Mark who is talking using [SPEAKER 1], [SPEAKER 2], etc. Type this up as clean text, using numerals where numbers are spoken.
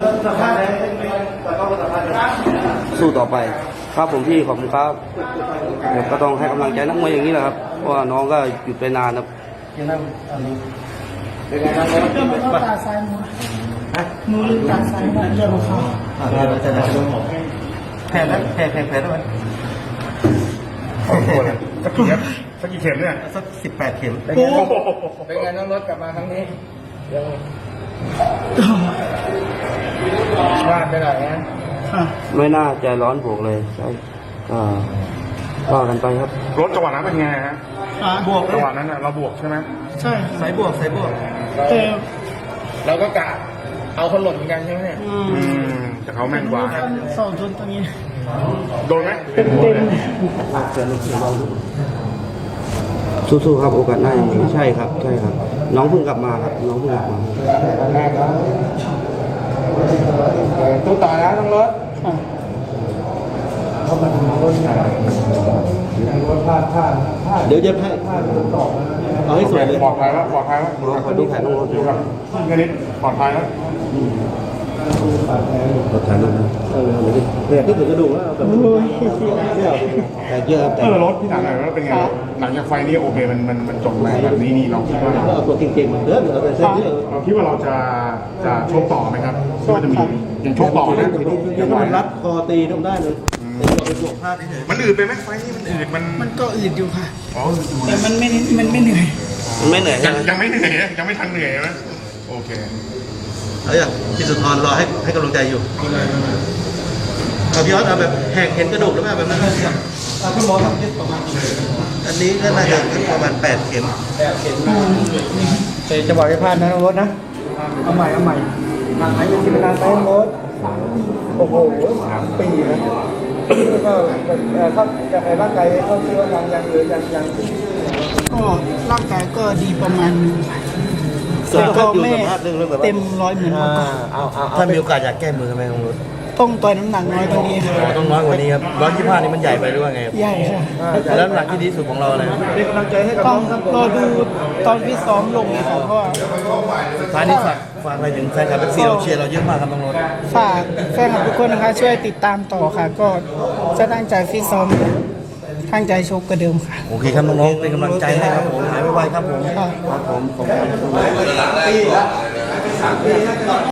[SPEAKER 1] สู้ต่อไปครับผมพี่ขอบคุณครับก็ต้องให้กำลังใจนักมวยอย่างนี้แหละครับเพราะว่าน้องก็หยุดไปนานครับ
[SPEAKER 2] เป็นไงครับเรื่องมันก็ตาซ้ายมือลืมตาซ้ายมาเรื่องของเขา
[SPEAKER 1] แพ้แล้วแพ้แล้ว
[SPEAKER 3] สักกี่เข็มเนี่ย
[SPEAKER 1] สัก18 เข็ม
[SPEAKER 3] เป็นไงน้องรถกลับมาครั้งนี้พลาดไปหน่อยนะ
[SPEAKER 1] ไม่น่าใจร้อนบวกเลยใช่ก็กันไปครับ
[SPEAKER 3] รถจังหวะนั้นเป็นไงฮะ
[SPEAKER 2] บวก
[SPEAKER 3] จังหวะนั้นเราบวกใช่ไหม
[SPEAKER 2] ใช่
[SPEAKER 1] สายบวก
[SPEAKER 2] แต่
[SPEAKER 3] เราก็กะเอาคนหล่นเหมือนกันใช่ไหมเนี่ยแต่เขาแม่นกว่า
[SPEAKER 2] สองชนตรงนี้
[SPEAKER 3] โดนไหม
[SPEAKER 2] เต็ม
[SPEAKER 1] สู้ๆครับโอกาสหน้ายังมีใช่ครับน้องเพิ่งกลับมาครับน้องเพิ่งกลับมา
[SPEAKER 3] ตู้ต่อแล้วต้องรถ
[SPEAKER 1] เดี๋ยวจะให้เอาให้สวยเลย
[SPEAKER 3] ปลอดภัยแล้ว
[SPEAKER 1] ขอดูแผนน้องรถดูครับ
[SPEAKER 3] แค่นี้ปลอดภัยแล้ว
[SPEAKER 1] รถถ่ายรูปนะเนี่ยที่ถึงกระดูกแล้วแต่เยอะแต่
[SPEAKER 3] รถที่หนังอะไรเป็นไงหลังจากไฟนี้โอเคมันจบไหมแบบนี้นี่เราคิดว่า
[SPEAKER 1] ตัวเก่งๆเหมือนเดิม
[SPEAKER 3] เราคิดว่าเราจะชกต่อไหมครับว่าจะมียังชกต่อนะ
[SPEAKER 1] ยังรัดคอตีต้องได้เลย
[SPEAKER 3] มันอืดไปไหมไฟนี้มันอืด
[SPEAKER 2] มันก็อืดอยู่ค่ะแต่มันไม่เหนื่อย
[SPEAKER 3] ยังไม่เหนื่อยยังไม่ทันเหนื่อยนะโอเค
[SPEAKER 1] เอาอย่างพี่สุนทรรอให้กำลังใจอยู่เอาพี่ออสเอาแบบแหกเห็นกระดูกหรือเปล่าแบบนั้น
[SPEAKER 2] คุณหมอทำที่ประมาณ
[SPEAKER 1] อันนี้ก็น่าจะประมาณ8 เข็ม
[SPEAKER 2] จะบอกให้พลาดนะน้องรถนะเอาใหม่หนักไหนเป็นที่เป็นการใช้น้องรถโอ้โห3 ปีนะก็ถ้าจะในร่างกายเขาคิดว่ายังหรือยังก็ร่างกายก็ดีประมาณนึงแต่ก็ไม่เต็ม100เหมือนเมื่อก่อน
[SPEAKER 1] ถ้ามีโอกาสอยากแก้มือทำไมน้องรถ
[SPEAKER 2] ต้องต่อยน้ำหนักน้อยกว่านี้
[SPEAKER 1] ต้องน้อยกว่านี้ครับ125นี่มันใหญ่ไปหรือว่าไง
[SPEAKER 2] ใหญ่ค่ะ
[SPEAKER 1] แล้วน้ำหนักที่ดีสุดของเราอะไร
[SPEAKER 2] เป็นกำลังใจให้กับต้องรอดูตอนที่ซ้อมลงเลยค่ะเพราะว่า
[SPEAKER 1] ท้ายนี้ฝากอะไรถึงแฟนคลับFCเราเชียร์เราเยอะมากครับน้องรถ
[SPEAKER 2] ฝากแฟนคลับทุกคนนะคะช่วยติดตามต่อค่ะก็จะตั้งใจฟิตซ้อมตั้งใจชกกระเดิมค่ะ
[SPEAKER 1] โอเคครับน้องๆเป็นกำลังใจให้ครับผมหายไวๆครับผม
[SPEAKER 2] ครับ
[SPEAKER 1] ผม